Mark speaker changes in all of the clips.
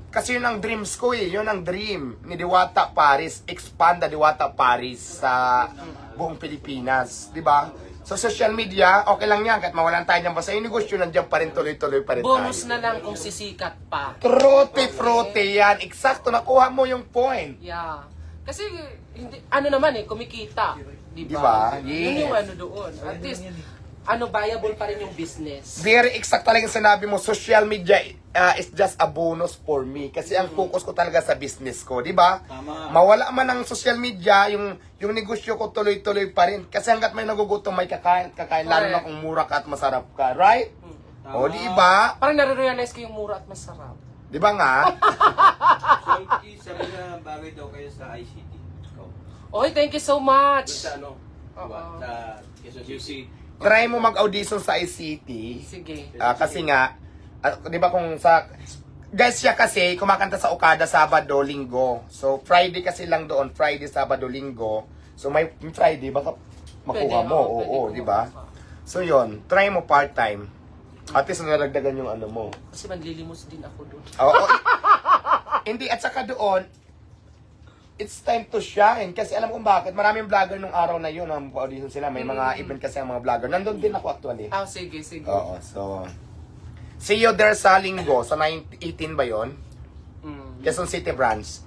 Speaker 1: Kasi yun ang dreams ko eh. Yun ang dream ni Diwata Paris. Expand the Diwata Paris sa buong Pilipinas. Di ba? So social media, okay lang yan. Kahit mawalan tayo dyan. Basta yung negosyo nandiyan pa rin, tuloy-tuloy pa rin
Speaker 2: Bonus
Speaker 1: tayo.
Speaker 2: na lang kung sisikat pa.
Speaker 1: Trote-frote yan. Eksakto, nakuha mo yung point.
Speaker 2: Yeah. Kasi, hindi, ano naman eh, kumikita. Di
Speaker 1: Diba?
Speaker 2: ba? Yun yung
Speaker 1: Yes.
Speaker 2: ano doon. At least, viable pa rin yung business.
Speaker 1: Very exact talaga yung sinabi mo. Social media is just a bonus for me. Kasi ang focus ko talaga sa business ko. Di ba?
Speaker 3: Tama.
Speaker 1: Mawala man ang social media, yung negosyo ko tuloy-tuloy pa rin. Kasi hanggat may nagugutom, may kakain. Lalo na kung mura ka at masarap ka. Right?
Speaker 3: Tama.
Speaker 1: O, di ba?
Speaker 2: Parang nare-realize ko yung mura at masarap.
Speaker 1: Di ba nga?
Speaker 3: So, sabi na bagay daw kayo sa ICT. Ikaw.
Speaker 2: Oy, thank you so
Speaker 3: Doon
Speaker 2: much.
Speaker 3: sa ano?
Speaker 2: Oo.
Speaker 3: Sa Quezon City.
Speaker 1: Try mo mag-audition sa ICT.
Speaker 2: Sige.
Speaker 1: Kasi nga, di ba kung sa... Guys, siya kasi kumakanta sa Okada Sabado, Linggo. So, Friday kasi lang doon. Friday, Sabado, Linggo. So, may Friday, baka makuha
Speaker 2: Pwede,
Speaker 1: mo.
Speaker 2: oo, pwede
Speaker 1: Oo,
Speaker 2: kumuha
Speaker 1: di ba?
Speaker 2: ka.
Speaker 1: So, yon try mo part-time. At least naragdagan yung ano mo.
Speaker 2: Kasi manlilimos din ako doon.
Speaker 1: Oo. Hindi, at saka doon, it's time to shine. Kasi alam kong bakit. Maraming vlogger nung araw na yun. Ang audition sila. May mga event kasi ang mga vlogger. Nandun din ako actually.
Speaker 2: Ah, sige, sige.
Speaker 1: Oo, so... See you there sa Linggo. Sa 18 ba yun?
Speaker 2: Mm.
Speaker 1: Quezon City branch.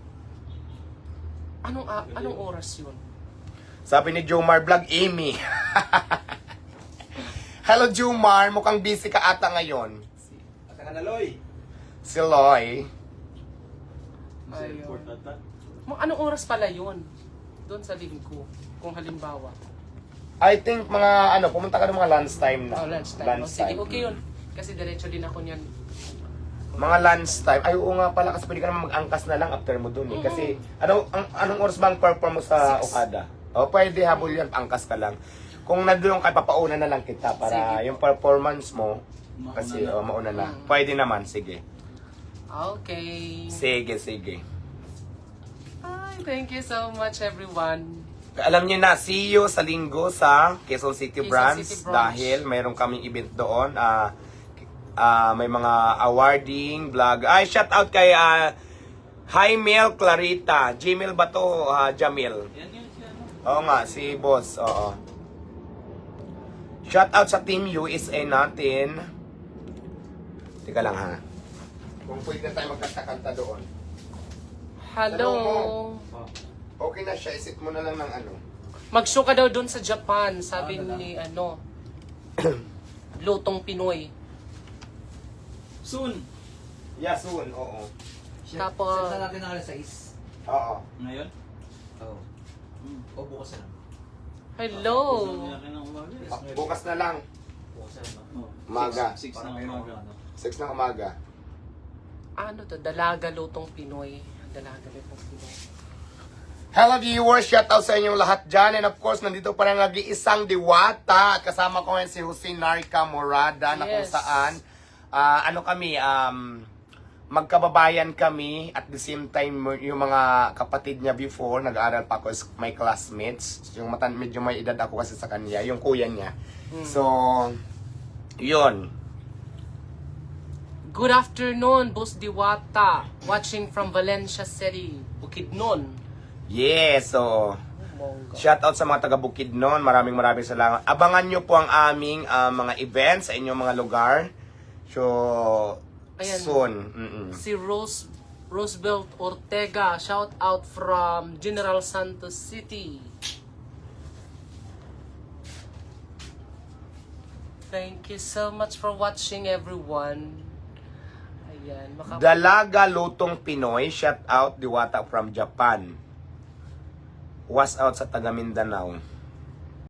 Speaker 2: Anong oras yun?
Speaker 1: Sabi ni Jomar Vlog, Amy. Hello Jomar, mukhang busy ka ata ngayon.
Speaker 3: Asa ka na, Loy?
Speaker 1: Si Loy.
Speaker 2: Ayun. Anong oras pala yun? Doon sa linggo, kung halimbawa.
Speaker 1: I think mga pumunta ka ng mga lunchtime na.
Speaker 2: Oh, lunchtime. Oh, sige, okay yun. Kasi diretso din ako niyan.
Speaker 1: Mga lunchtime. Ay, oo nga pala, kasi pwede ka naman mag-angkas na lang after mo dun eh. Kasi, anong oras bang perform mo sa Okada? O, pwede habol yan, angkas ka lang. Kung nandun ka, papauna na lang kita para
Speaker 2: Sige.
Speaker 1: yung performance mo,
Speaker 3: Mauna
Speaker 1: kasi
Speaker 3: na.
Speaker 1: mauna na. Pwede naman, sige.
Speaker 2: Okay.
Speaker 1: Sige.
Speaker 2: Ay, thank you so much everyone.
Speaker 1: Alam niyo na, see you sa Linggo sa Quezon City
Speaker 2: Quezon
Speaker 1: branch
Speaker 2: City branch.
Speaker 1: dahil mayroon kaming event doon. May mga awarding, vlog. Ay, shout out kay Jaimel Clarita. Gmail ba to? Jamil.
Speaker 3: Yan yun siya, ano?
Speaker 1: Oo nga, si boss. Oo. Shout out sa Team USA natin. Teka lang ha. Kung pwede na tayo magkanta-kanta doon.
Speaker 2: Hello.
Speaker 1: Okay na siya, isip mo na lang ng ano.
Speaker 2: Mag-show ka daw doon sa Japan, sabi
Speaker 3: Ah,
Speaker 2: ni Lutong Pinoy.
Speaker 3: Soon.
Speaker 1: Yeah, soon, oo.
Speaker 2: Tapos-
Speaker 4: Set na natin ng alas 6.
Speaker 1: Oo.
Speaker 3: Ngayon?
Speaker 4: Oo. O bukas na lang.
Speaker 2: Hello.
Speaker 3: Gusto niya ng umaga.
Speaker 1: Bukas na lang.
Speaker 4: Bukas na lang.
Speaker 3: Oh,
Speaker 1: Umaga.
Speaker 3: 6
Speaker 4: Parang
Speaker 3: na
Speaker 4: mayroon
Speaker 3: umaga.
Speaker 4: ano.
Speaker 1: 6 ng umaga.
Speaker 2: Ano to? Dalaga Lutong Pinoy. Dalaga Lutong Pinoy.
Speaker 1: Hello viewers, shout out sa inyong lahat dyan. And of course, nandito pa rin nag-iisang diwata. At kasama ko ngayon si Jose Narca Morada na kung
Speaker 2: Yes.
Speaker 1: saan, magkababayan kami. At the same time, yung mga kapatid niya before, nag-aaral pa ako, my classmates. Yung medyo may edad ako kasi sa kanya, yung kuya niya. So, yun.
Speaker 2: Good afternoon, Boss Diwata. Watching from Valencia City, Bukidnon.
Speaker 1: Yes, so...
Speaker 2: Mongga.
Speaker 1: Shout out sa mga taga Bukidnon. Maraming salamat. Abangan nyo po ang aming mga events sa inyong mga lugar. So,
Speaker 2: Ayan.
Speaker 1: soon.
Speaker 2: Si Roosevelt Ortega, shout out from General Santos City. Thank you so much for watching everyone. Ayan,
Speaker 1: Dalaga Lutong Pinoy. Shout out Diwata from Japan. Was out sa taga Mindanao.